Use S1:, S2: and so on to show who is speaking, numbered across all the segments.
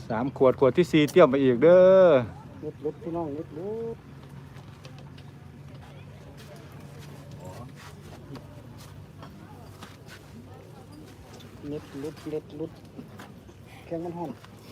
S1: 3 ขวดขวดที่4เตรียมไปอีกเด้อ
S2: ลุดพี่น้องลุดเล็ดลุดแข็งมันหอม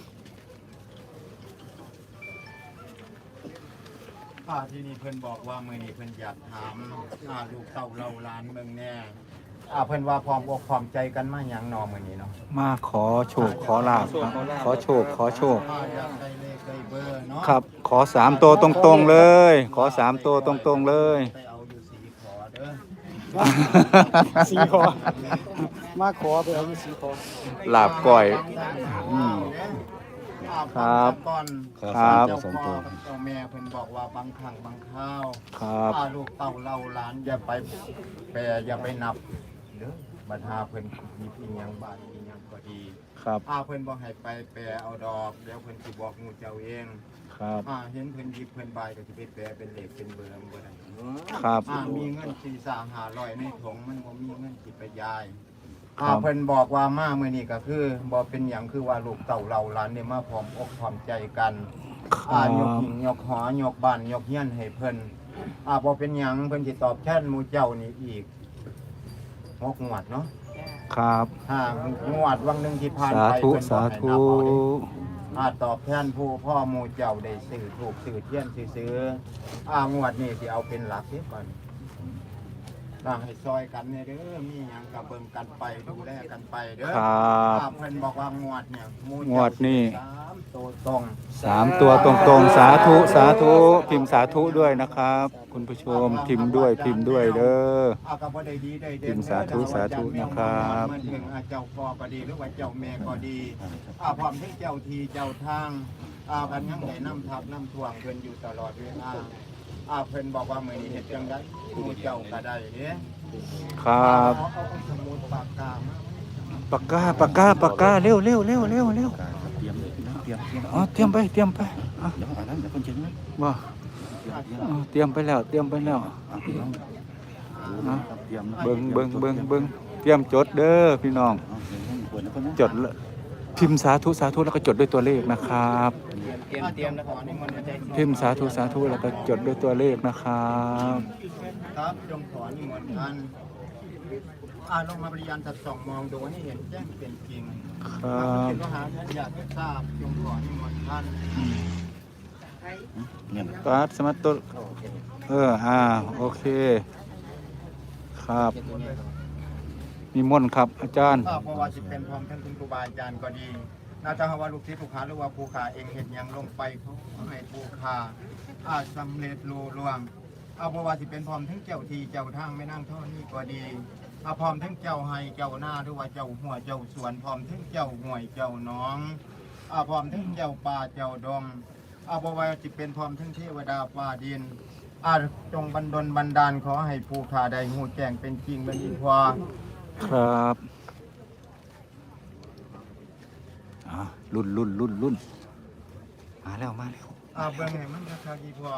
S3: ที่นี่เพิ่นบอกว่ามื้อนี้เพิ่นอยากถามลูกเต้าเราหลานเมืองแน่เพิ่นว่าพร้อมอกพร้อมใจกันมาหยังนอมื้อนี้เนาะ
S1: มาขอโชคขอลาภขอโชค
S3: อยากได้เลขได้เบอร์เนาะ
S1: ครับขอ3ตัวตรงๆเลยขอ3ตัวตรงๆเลย
S3: ไปเอาอยู่4ขอเด้อ
S2: 4 ขอมาขอไปเอาอยู่4 ขอ
S1: ลาบก้อยครับ
S3: เจ้าพ่อเจ้าแม่เพิ่นบอกว่าบางครั้งบางคราว
S1: ครับ
S3: ลูกเต้าเล่าหลานอย่าไปแปรอย่าไปนับเด้อบัดหาเพิ่นมีพี่ยังบ้านมียังก็ดี
S1: ครับ
S3: เพิ่นบ่ให้ไปแปรเอาดอกเดี๋ยวเพิ่นสิบอกงูเจ้าเอง
S1: ครับ
S3: เห็นเพิ่นหยิบเพิ่นบายก็สิไปแปรเป็นเลขเป็นเบอร์บ่ได้
S1: ครับ
S3: มีเงิน4-500ในถุงมันบ่มีเงินสิไปยายเพิ่นบอกว่ามามื้อนี้ก็คือบ่เป็นหยังคือว่าลูกเต้าเราหลานนี่มาพร้อมอกพร้อมใจกันยกหิ้งยกหอยกบ้านยกเฮียนให้เพิ่นบ่เป็นหยังเพิ่นสิตอบแทนหมู่เจ้านี่อีก6 งวดเนาะ
S1: ครับ
S3: งวดวังนึงที่ผ่านไปเพิ่นบ่ให้นับเอาตอบแทนผู้พ่อหมู่เจ้าได้ซื้อถูกซื้อเทียนซื้องวดนี้สิเอาเป็นหลักเสียก่อนให้ซอยกันเนี่ยเด้อมีหยังก็เบิ่งกันไปดูแลกันไปเด้อ
S1: ครับ
S3: เพิ่นบอกว่างวดเนี่ย
S1: งวดนี้
S3: 3 ตัวตรง
S1: 3 ตัวตรงๆสาธุพิมพ์สาธุด้วยนะครับคุณผู้ชมพิมพ์ด้วยเด้อ
S3: ก็บ่ได้ดีได้เด่น
S1: พิมพ์สาธุนะครับ
S3: มันถึงเจ้าพ่อก็ดีหรือว่าเจ้าแม่ก็ดีพร้อมทั้งเจ้าที่เจ้าทางกันยังได้นำทัพนำท่วงเพิ่นอยู่ตลอดเวลาเพิ่นบอกว่ามื้อนี้เฮ็ดจังได๋หมู่เจ้าก็ได้เด้
S1: ครับ
S3: เอาสมุดปากกามา
S1: ปากกาเร็วเตรียมเลยเตรียมไปเดี๋ยวอันนั้นเดี๋ยวคนเชิญนะว่าเตรียมไปแล้วเบิ่งเตรียมจดเด้อพี่น้องจดพิมพ์สาธุแล้วก็จดด้วยตัวเลขนะครับพิมพ์สาธุแล้วก็จดด้วยตัวเลขนะครับ
S3: ครับจงขอนิมนต์ท่านลงมาบริยานจัดส่องมองดูให้เห็นแจ้งเป็นจริงครับเป็นมหาท่านอยากให้ทราบจงขอนิมนต์ท่าน
S1: ปัดสมัตตุโอเคครับนิมนต์ครับอาจารย์
S3: เพราะว่าสิเป็นพร้อมท่านคุณครูบาอาจารย์ก็ดีน่าจะว่าลูกศิษย์ลูกหาหรือว่าผู้ขาเองเห็นยังลงไปเขาให้ผู้ขาสำเร็จลุล่วงเพราะว่าสิเป็นพร้อมทั้งเจ้าทีเจ้าทางไม่นั่งเท่านี้ก็ดีพร้อมทั้งเจ้าให้เจ้าหน้าหรือว่าเจ้าหัวเจ้าสวนพร้อมทั้งเจ้าห่วยเจ้าน้องพร้อมทั้งเจ้าป่าเจ้าดงเพราะว่าสิเป็นพร้อมทั้งเทวดาฟ้าดินจงบันดาลขอให้ผู้ขาได้หูแจ้งเป็นจริงเป็นอีกว่า
S1: ครับรุ่นมาแล้ว
S3: เบิ่งให้มันราคากี่พอ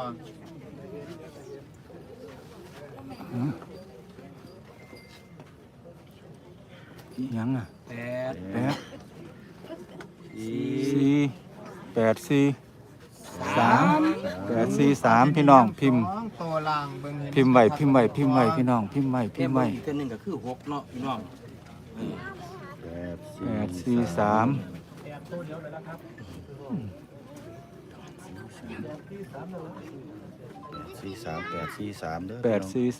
S1: ยัง843พี่น้องพิมพ์ไว้พี่น้องพิมพ์ไว้
S4: อีกตัวนึงก็คือ6เนาะพี่น้อง
S1: 843
S4: เด้อ843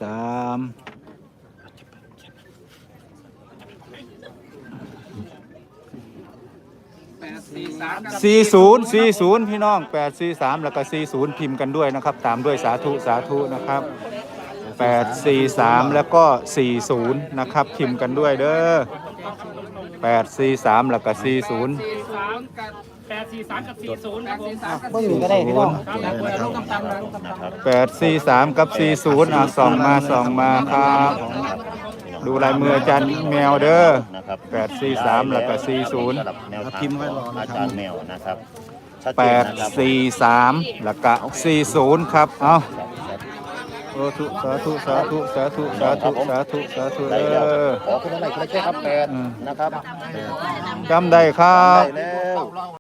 S1: 40พี่น้อง843แล้วก็40พิมพ์กันด้วยนะครับตามด้วยสาธุนะครับ843แล้วก็40นะครับพิมพ์กันด้วยเด้อ843แล้วก็40
S5: 843กับ40ครับผม
S2: บ่มีก็ได้พี่น้อง
S1: 843กับ40ส่องมาครับดูลายมืออาจารย์แมวเด้อ843แล้วก็40
S4: พิมพ์ไว้รออาจารย์แมวนะครับ
S1: 843แล้วก็40ครับเอาสาธุ
S4: ขอคุณอะไรก็ได้ครับ8นะครับ
S1: จำได้ครับ